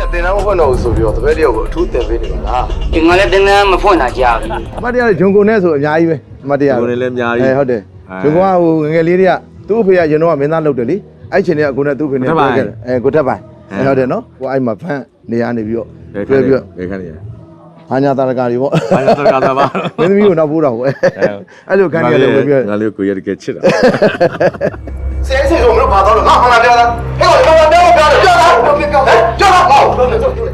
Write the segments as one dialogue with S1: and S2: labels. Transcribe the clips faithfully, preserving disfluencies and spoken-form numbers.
S1: တင်တော့မဖွင့်တော့ဘူးဆိုပြီးတော့တပည့်တယောက်ကိုအထူးတင်ပေးနေပါလား
S2: ဒီငါလည်းတင်တန်းမဖွင့်တာကြာပြီ
S1: အမတရားဂျုံကုန်နဲ့ဆိုအများကြီးပဲအမတရားဂျုံကုန်လည်းအများကြီးအဲဟုတ်တယ်ဂျုံကုန်ကဟိုငငယ်လေးတွေကသူ့အဖေကရင်တော့မင်းသားလုပ်တယ်လေအဲ့ချိန်တွေကကိုနဲ့သူ့ဖေနဲ့ပြောခဲ့တယ်အဲကိုထက်ပိုင်အဲဟုတ်တယ်နော်ကိုအဲ့မှာဖန့်နေရနေပြီးတော့တွဲပြီးတော့ဘယ်ခန်းနေရဟာညာတာရကာတွေပေါ့ဟာညာတာရကာသာပါမင်းသမီးကိုနောက်ပိုးတော့ပေါ့အဲ့လိုခန်းရတယ်ဝင်ပြီးငါလေးကိုရတကယ်ချစ်တာဆဲဆဲဆိုမလို့ပါတော့ငါဟောလာပြောတာဟဲ့ဟောလာပြောပြောပြောတာပြောပြောပြောပြောတာဟောပြောပြောပြော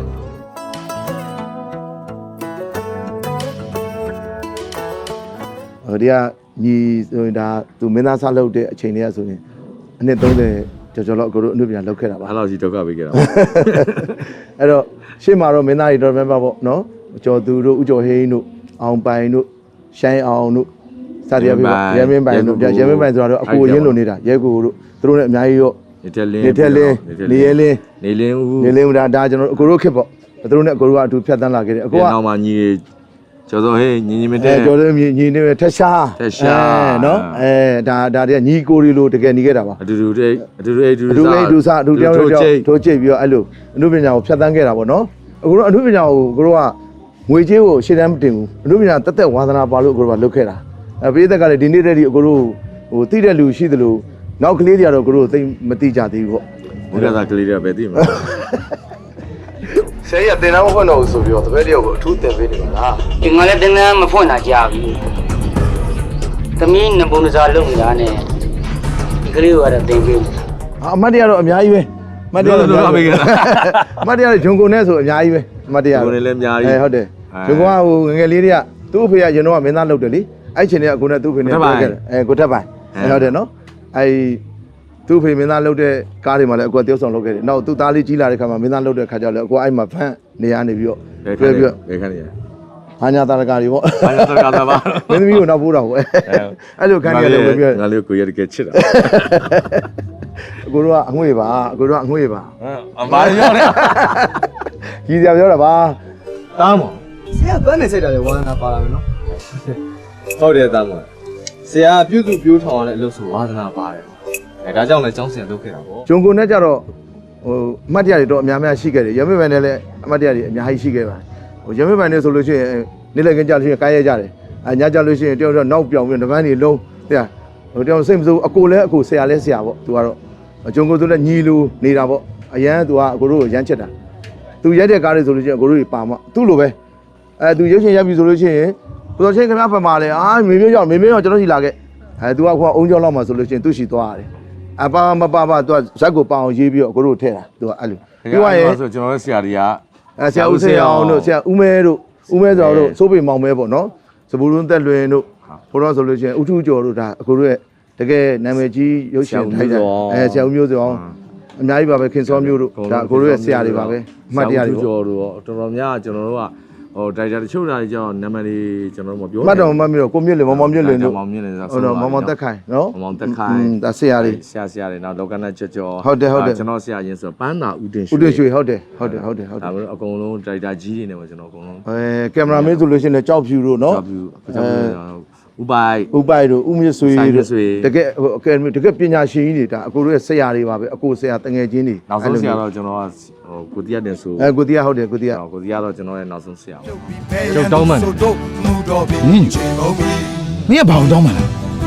S1: ဟိုဒီကညီဆိုရင်ဒါသူမင်းသားစားလုပ်တဲ့အချိန်တွေကဆိုရင်အနှစ်သုံးဆယ်ကျော်ကျော်လောက်အကိုတို့အနုပညာလုပ်ခဲ့တာပါအဲ့လောက်ကြီးဒုက္ခပေးခဲ့တာအဲ့တော့ရှေ့မှာတော့မင်းသားတွေတော့မင်းပါပေါ့နော်ကျော်သူတို့ဦးကျော်ဟိန်းတို့အောင်ပိုင်တို့ရှိုင်းအောင်တို့စသည်အဖြစ်ပေါ့ရဲမင်းပိုင်တို့ရဲမင်းပိုင်ဆိုတော့အကိုရင်းလိုနေတာရဲကိုတို့သူတို့လည်းအများကြီးရောနေထက်လင်းနေထက်လင်းနေရဲလင်းနေလင်းဦးနေလင်းဦးဒါဒါကျွန်တော်အကိုတို့ခစ်ပေါ့သူတို့နဲ့အကိုတို့ကအတူဖြတ်တန်းလာခဲ့တယ်အကိုကနောက်မှညီကျော်စောဟေးညီညီမတဲ့ကျော်စောညီညီနေထက်ရှားထက်ရှားနော်အဲဒါဒါတည်းညီကိုရီလိုတကယ်ညီခဲ့တာပါအတူတူတဲ့အတူတူအတူတူအတူစားအတူတယောက်တယောက်ထိုးချိတ်ပြီးတော့အဲ့လိုအနုပညာကိုဖြတ်တန်းခဲ့တာပေါ့နော်အခုတော့အနုပညာကိုကိုတို့ကငွေကြေးကိုရှေ့တန်းမတင်ဘူးအနုပညာတက်တက်ဝါသနာပါလို့ကိုတို့ကလုပ်ခဲ့တာအဲပြည်သက်ကလည်းဒီနေ့တည်းဒီကိုတို့ဟိုတိတဲ့လူရှိသလိုနောက်ကလေးတွေကတော့ကိုတို့သိမသိကြသေးဘူးပေါ့ဘုရားသားကလေးတွေကပဲသိမှာဆရာကြီးကတင်တော့မဖွင့်တော့ဘူးဆိုပြီးတော့တပည့်တယောက်ကိုအထူးတင်ပေးနေပါလား
S2: ဒီငါလည်းတင်တန်းမဖွင့်တာကြာပြီသမီးနဘုံစားလုပ်နေတာနဲ့ဒီကလေးကိုကတော့တင်ပေး
S1: အမတ်တရားတော့အများကြီးပဲအမတ်တရားတော့အများကြီးပဲအမတ်တရားဂျုံကုန်နဲ့ဆိုအများကြီးပဲအမတ်တရားဂျုံကုန်လည်းအများကြီးအဲဟုတ်တယ်ဂျုံကုန်ကဟိုငငယ်လေးတွေကသူ့အဖေကရင်တော့မင်းသားလုပ်တယ်လေအဲ့ချိန်တွေကကိုနဲ့သူ့ဖေနဲ့ပြောခဲ့တယ်အဲကိုထက်ပိုင်အဲဟုတ်တယ်နော်အဲသူ့ဖေမင်းသားလုပ်တဲ့ကားတွေမှာလည်းအကွက်တယောက်ဆောင်လုပ်ခဲ့တယ်နောက်သူ့သားလေးကြီးလာတဲ့ခါမှာမင်းသားလုပ်တဲ့ခါကျတော့အကွက်အဲ့မှာဖန့်နေရနေပြီးတော့တွဲပြီးတော့ဘယ်ခန်းနေရဟာညာတာရကာတွေပေါ့ဟာညာတာရကာသာပါမင်းသမီးကိုနောက်ပိုးတော့ပေါ့အဲ့လိုခန်းရတယ်ဝင်ပြီးငါလေးကိုရတကယ်ချစ်တာအကိုတို့ကအငွေ့ပါအကိုတို့ကအငွေ့ပါအမားရောတယ်ကြီးစရာပြောတာပါ
S3: တားမော်ဆရာဗန်းနေစိတ်တယ်ဝါသနာပါလာမယ်နော်
S1: ဟုတ်တယ်တားမော်
S3: ဆရာပြုစုပြိုးထောင်ရတဲ့အလုပ်ဆိုဝါသနာပါတယ်အဲဒါကြောင့်လည်းကျောင်းဆရာလုပ်ခဲ့တာပေါ့
S1: ဂျုံကုန်နဲ့ကြတော့ဟိုအမတ်တရားတွေတော့အများများရှိခဲ့တယ်ရမေပိုင်နဲ့လည်းအမတ်တရားတွေအများကြီးရှိခဲ့ပါတယ်ဟိုရမေပိုင်နဲ့ဆိုလို့ရှိရင်နေ့လည်ခင်းကြလို့ရှိရင်ကားရဲကြတယ်အညကြလို့ရှိရင်တယောက်တော့နောက်ပြောင်ပြီးတပန်းတွေလုံးတဲ့ဟိုတယောက်စိတ်မစိုးအကိုလည်းအကိုဆရာလည်းဆရာပေါ့သူကတော့ဂျုံကုန်ဆိုလည်းညီလူနေတာပေါ့အရန်သူကအကိုတို့ကိုရမ်းချက်တာသူရိုက်တဲ့ကားတွေဆိုလို့ရှိရင်အကိုတို့တွေပါမသူ့လိုပဲအဲသူရုပ်ရှင်ရိုက်ပြီဆိုလို့ရှိရင်ကိုတော်ချင်းခင်ဗျားဖက်မှာလဲအာမေမျိုးရောက်မေမျိုးရောက်ကျွန်တော်ရှိလာခဲ့အဲသူကခုကအုံကြောင်းလောက်မှာဆိုလို့ရှိရင်သူ့ရှိသွားရတယ်အပါမပါပါသူကဇက်ကိုပအောင်ရေးပြီးတော့အကိုတို့ထည့်တာသူကအဲ့လို
S4: ပြောရရင်ဆိုကျွန်တော်တို့ဆရာတွေက
S1: အဲဆရာဦးစေအောင်တို့ဆရာဦးမဲတို့ဦးမဲဆိုတော့စိုးပေမောင်မဲပေါ့နော်စပူလွန်းသက်လွင်တို့ဘိုးတော်ဆိုလို့ရှိရင်ဦးထူးကျော်တို့ဒါအကိုတို့ရဲ့တကယ်နာမည်ကြီးရုပ်ရှင်ထိုက်တယ်အဲဆရာဦးမျိုးစေအောင်အများကြီးပါပဲခင်စောမျိုးတို့ဒါအကိုတို့ရဲ့ဆရာတွေပါပဲအမှတ်တရတွေပေါ့
S4: ကျော်တို့တော်တော်များကျွန်တော်တို့ကဟိုဒိုင်တာတချို့ဓာတ်ကြောင့်နာမည်လေးကျွန်တော်တို့မပြော
S1: မှတ်တော်မှတ်ပြီးတော့ကိုမြင့်လေမောင်မောင်မြင့်လေတို့
S4: မောင်မြင့်လေဆို
S1: တော့မောင်မောင်တက်ခိုင်နော်
S4: မောင်မောင်တက်ခိုင်
S1: ဒါဆရာတွေ
S4: ဆရာဆရာတွေနောက်လောကနာကြော်ကြော်
S1: ဟုတ်တယ်ဟုတ်တယ်
S4: ကျွန်တော်ဆရာရင်းဆိုပန်းသာဦးတင်ရွှေ
S1: ဦးတင်ရွှေဟုတ်တယ်ဟုတ်တယ်ဟုတ်တယ်ဟုတ်တယ်
S4: ဒါမျိုးအကုန်လုံးဒိုင်တာကြီးတွေနဲ့ပဲကျွန်တော်အကုန်လုံး
S1: အဲကင်မရာမင်းဆိုလို့ရှိရင်ကြောက်ဖြူတို့နော်
S4: ကြောက်ဖြူဥပိုင်
S1: ဥပိုင်တို့ဥမြဆွေတို့တကယ်ဟိုအကယ်ဒမီတကယ်ပညာရှင်ကြီးတွေဒါအကိုတို့ရဲ့ဆရာတွေပါပဲအကိုဆရာတငယ်ချင်းတွေ
S4: နောက်ဆုံးဆရာတော့ကျွန်တော်ကဟိုကိုတီးရတင်ဆို
S1: အဲကိုတီးရဟုတ်တယ်ကိုတီးရ
S4: ကိုတီးရတော့ကျွန်တော်ရဲ့နောက်ဆုံးဆရာ
S3: ကျုပ်တောင်းမှန်ဟင်းမင်းကဘာတောင်းမှန်လဲ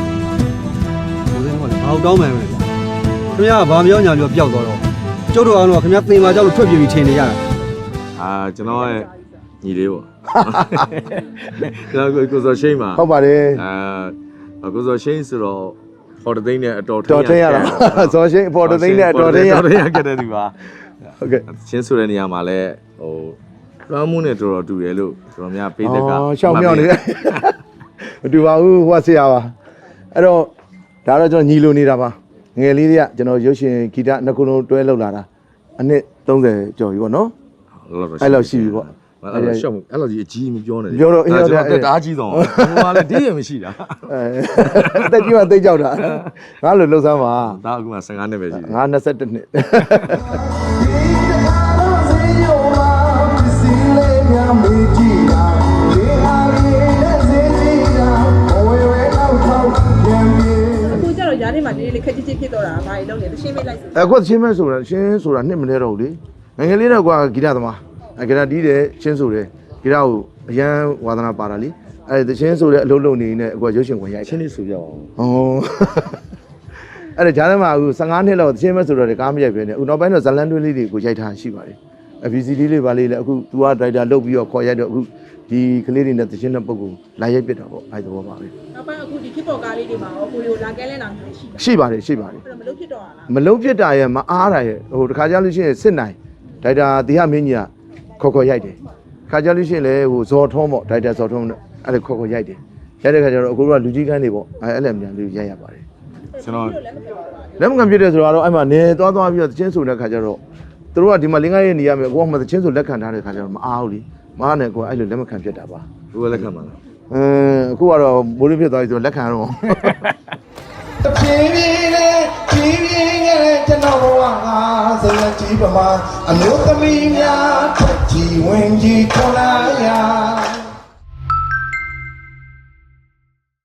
S3: ဘယ်လိုလဲဘာတောင်းမှန်လဲခင်ဗျားကဘာပြောညာပြောပျောက်သွားတော့ကျုပ်တို့အောင်တော့ခင်ဗျားသင်ပါကြောက်လို့ထွက်ပြေးပြီးထင်နေရတာ
S4: အာကျွန်တော်ရဲ့ညီလေးပေါ့ကျွန်တော်ကိုစောရှိန်ပါ
S1: ဟုတ်ပါတယ်
S4: အာကိုစောရှိန်ဆိုတော့ဖော်တသိန်းနဲ့အတော်
S1: တော်ထင်းရတာစောရှိန်ဖော်တသိန်းနဲ့အတော်ထင်းရ
S4: တော်ထင်းရခဲ့တဲ့သူပါ
S1: ဟုတ်ကဲ့
S4: ချင်းဆိုတဲ့နေရာမှာလဲဟိုလွှမ်းမှုနဲ့တော်တော်တူတယ်လို့ကျွန်တော်များပေးသက်က
S1: အော်ရှောင်းမြောင်းနေတယ်မတူပါဘူးဟိုကဆရာပါအဲ့တော့ဒါတော့ကျွန်တော်ညီလိုနေတာပါငယ်လေးတွေကကျွန်တော်ရုပ်ရှင်ဂီတနှစ်ခုလုံးတွဲလောက်လာတာအနှစ်သုံးဆယ်ကျော်ပြီပေါ့နော်အဲ့လောက်ရှိပြီပေါ့
S4: အဲ့လိုရှော့အဲ့လိုကြီးအကြီးမပြောနဲ့
S1: ပြောတော့အင်း
S4: တော့တက်တားကြီးတော့ဟိုကလည်းဒီရင်မရှိတာ
S1: အဲတက်ကြီးမှသိကြောက်တာငါလိုလှုပ်ဆန်းပါ
S4: ဒါအခုမှဆယ်ငါးနှစ်ပဲရှိတယ်
S1: ငါနှစ်ဆက်တစ်နှစ်
S5: အခုကျတော့ရားထဲမှာဒီလေးခက်ကြီးကြီးဖြစ်တော့တာဘာတွေလုပ်လဲတရှင်းမေးလိုက်
S1: အခုတရှင်းမဲဆိုတာရှင်းဆိုတာနှစ်မလဲတော့ဘူးလေငယ်ငယ်လေးတော့ကွာဂီတသမားအဲဂီတတီးတယ်ချင်းဆိုတယ်ဂီတကိုအရန်ဝါသနာပါတာလေအဲတချင်းဆိုတဲ့အလုံးလုံးနေနေအကွာရုပ်ရှင်ဝင်ရိုက်
S4: ချင်းလေးဆိုပြအောင်
S1: ဟောအဲ့ဒါဂျာထဲမှာအခုဖုန်းနှစ်လောက်တချင်းမဲ့ဆိုတော့ကားမရိုက်ပဲနဲ့အခုနောက်ပိုင်းတော့ဇလန်တွဲလေးတွေကိုရိုက်ထားရှိပါတယ်အ ဗီ စီ ဒီ လေးပါလေးလည်းအခု तू ကဒရိုက်တာလုပ်ပြီးတော့ခေါ်ရိုက်တော့အခုဒီကလေးတွေနဲ့တချင်းတဲ့ပုံကိုလာရိုက်ပြစ်တာပေါ့အဲ့ဒီဘောပါပဲ
S5: နောက်ပိုင်းအခုဒီခစ်ပေါ်ကားလေးတွေမှာရောကိုရီကိုလာကဲလဲလာနေရှိတယ်
S1: ရှိပါတယ်ရှိပါတယ်
S5: အဲ့တော့မလုပ်ဖြစ်တော့လား
S1: မလုံးပြစ်တာရဲ့မအားတာရဲ့ဟိုတခါကြလို့ရှိရင်စစ်နိုင်ဒိုက်တာတီဟမင်းကြီးကခေါ်ခေါ်ရိုက်တယ်ခါကြလို့ရှိရင်လည်းဟိုဇော်ထုံးပေါ့ဒိုက်တာဇော်ထုံးနဲ့အဲ့ဒါခေါ်ခေါ်ရိုက်တယ်ရိုက်တဲ့ခါကျတော့အခုကလူကြီးကန်းနေပေါ့အဲ့အဲ့လည်းမြန်လေးရိုက်ရပါတယ်
S4: ကျွန်တော်
S1: လက်မခံပြစ်တယ်ဆိုတော့အဲ့မှာနေသွားသွားပြီးတော့တချင်းဆိုတဲ့ခါကျတော့သူတို့ကဒီမှာလင်းကားရဲ့နေရမယ်ကိုကမှတချင်းဆိုလက်ခံထားတဲ့ခါကျတော့မအားဘူးလीမအားနဲ့ကိုကအဲ့လိုလက်မခံပြစ်တာပါ
S4: ဘယ်လက်ခံမှာလဲ
S1: အင်းအခုကတော့မိုးလေးဖြစ်သွားပြီဆိုတော့လက်ခံတော့
S6: တပြေးပြေးနဲ့ပြေးပြေးနဲ့ကျွန်တော်ဘဝငါစရကြီးပမာအမျိုးသမီးများထက်ကြီးဝင်ကြီးထွန်လာရာ